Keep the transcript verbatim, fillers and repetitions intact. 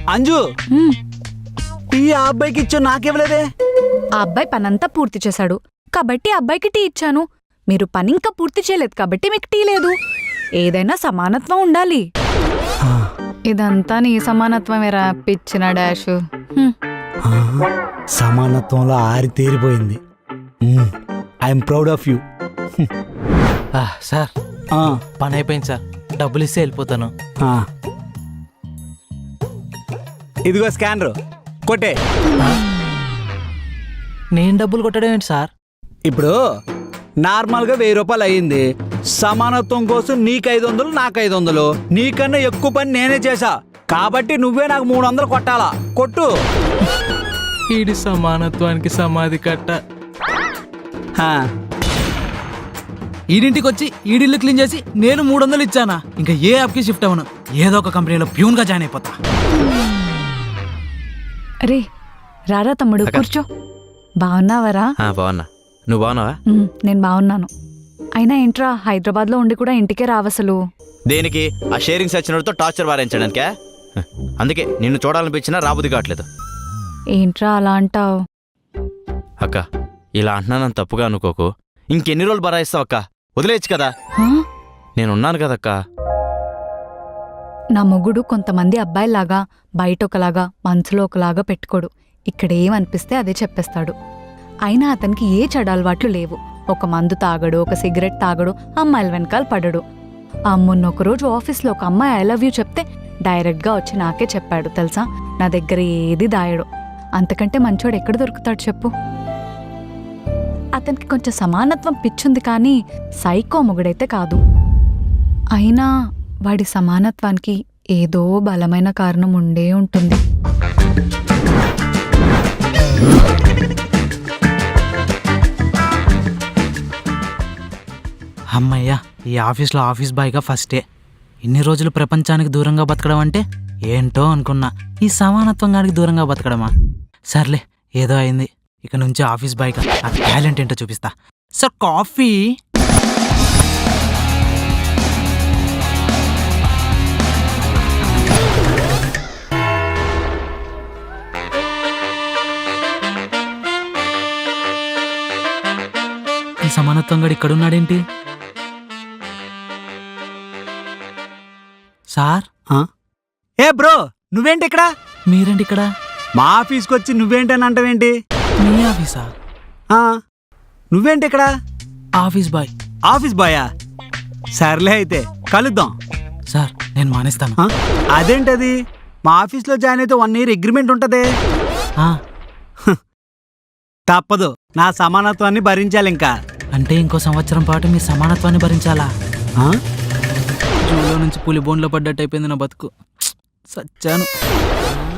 Anju tea ఆ అబ్బాయికి ఇచ్చా నాకివ్వలేదే. ఆ అబ్బాయి పనంతా పూర్తి చేశాడు కాబట్టి అబ్బాయికి టీ ఇచ్చాను. మీరు పని ఇంకా పూర్తి చేయలేదు కాబట్టి మీకు టీ లేదు. ఏదైనా సమానత్వం ఉండాలి. ఇదంతా నీ సమానత్వమేరా పిచ్చిన డాష్. సమానత్వంలో ఆరి తేరిపోయింది. I'm proud of you. Sir పని అయిపోయింది సార్, డబ్బులు ఇస్తే వెళ్ళిపోతాను. ఇదిగో స్కానర్ కొట్టే. నేను డబ్బులు కొట్టడం ఏంటి సార్? ఇప్పుడు నార్మల్గా వెయ్యి రూపాయలు అయ్యింది. సమానత్వం కోసం నీకు ఐదు వందలు నాకు ఐదు వందలు. నీకన్నా ఎక్కువ పని నేనే చేశా కాబట్టి నువ్వే నాకు మూడు వందలు కొట్టాలా. కొట్టు. ఈడి సమానత్వానికి సమాధి కట్ట. ఈడింటికి వచ్చి ఈడిల్లు క్లీన్ చేసి నేను మూడు వందలు ఇచ్చానా? ఇంకా ఏ యాప్కి షిఫ్ట్ అవ్వను. ఏదో ఒక కంపెనీలో ప్యూన్ గా జాయిన్ అయిపోతా. అరే రారా తమ్ముడు, కూర్చో. బాగున్నావరా? బాగున్నా. నువ్వు బాగున్నావా? నేను బాగున్నాను. అయినా ఏంట్రా హైదరాబాద్ లో ఉండి కూడా ఇంటికే రావసలు? దేనికి? ఆ షేరింగ్ సచ్చినతో టార్చర్ వారించడానికే. అందుకే నిన్ను చూడాలనిపించినా రాబుద్ది కావట్లేదు. ఏంట్రా అలా అంటావు? అక్క ఇలా అంటున్నానని తప్పుగా అనుకోకు. ఇంకెన్ని రోజులు బరాయిస్తావు అక్క? వదిలేయచ్చు కదా. నేనున్నాను కదక్క. నా మొగుడు కొంతమంది అబ్బాయిలాగా బయట ఒకలాగా మనసులో ఒకలాగా పెట్టుకోడు. ఇక్కడేమనిపిస్తే అదే చెప్పేస్తాడు. అయినా అతనికి ఏ చెడు అలవాట్లు లేవు. ఒక మందు తాగడు, ఒక సిగరెట్ తాగడు, అమ్మాయిల వెనకాల పడడు. ఆ మొన్న ఒకరోజు ఆఫీస్లో ఒక అమ్మాయి ఐ లవ్ యూ చెప్తే డైరెక్ట్గా వచ్చి నాకే చెప్పాడు తెలుసా. నా దగ్గర ఏది దాయడు. అంతకంటే మంచోడు ఎక్కడ దొరుకుతాడు చెప్పు? అతనికి కొంచెం సమానత్వం పిచ్చుంది కానీ సైకో మొగుడైతే కాదు. అయినా వాడి సమానత్వానికి ఏదో బలమైన కారణం ఉండే ఉంటుంది. అమ్మయ్యా, ఈ ఆఫీస్లో ఆఫీస్ బాయ్గా ఫస్టే. ఇన్ని రోజులు ప్రపంచానికి దూరంగా బతకడం అంటే ఏంటో అనుకున్నా. ఈ సమానత్వం గానికి దూరంగా బతకడమా? సర్లే, ఏదో అయింది. ఇక నుంచి ఆఫీస్ బాయ్గా నా టాలెంట్ ఏంటో చూపిస్తా. Sir coffee. ఈ సమానత్వం గడు ఇక్కడున్నాడేంటి? సార్. ఏ బ్రో, నువ్వేంటి ఇక్కడ? మీరేంటి ఇక్కడ? మా ఆఫీస్కి వచ్చి నువ్వేంటని అంటావేంటి? మీ ఆఫీసా? నువ్వేంటి ఇక్కడ? Office boy. ఆఫీస్ బాయా? సర్లే అయితే కలుద్దాం. సార్ నేను మానేస్తాను. అదేంటది? మా ఆఫీస్లో జాయిన్ అయితే వన్ ఇయర్ అగ్రిమెంట్ ఉంటదే. తప్పదు, నా సమానత్వాన్ని భరించాలి. ఇంకా అంటే ఇంకో సంవత్సరం పాటు మీ సమానత్వాన్ని భరించాలా? జూలో నుంచి పులి బోన్లో పడ్డట్టు అయిపోయింది నా బతుకు. సచ్చాను.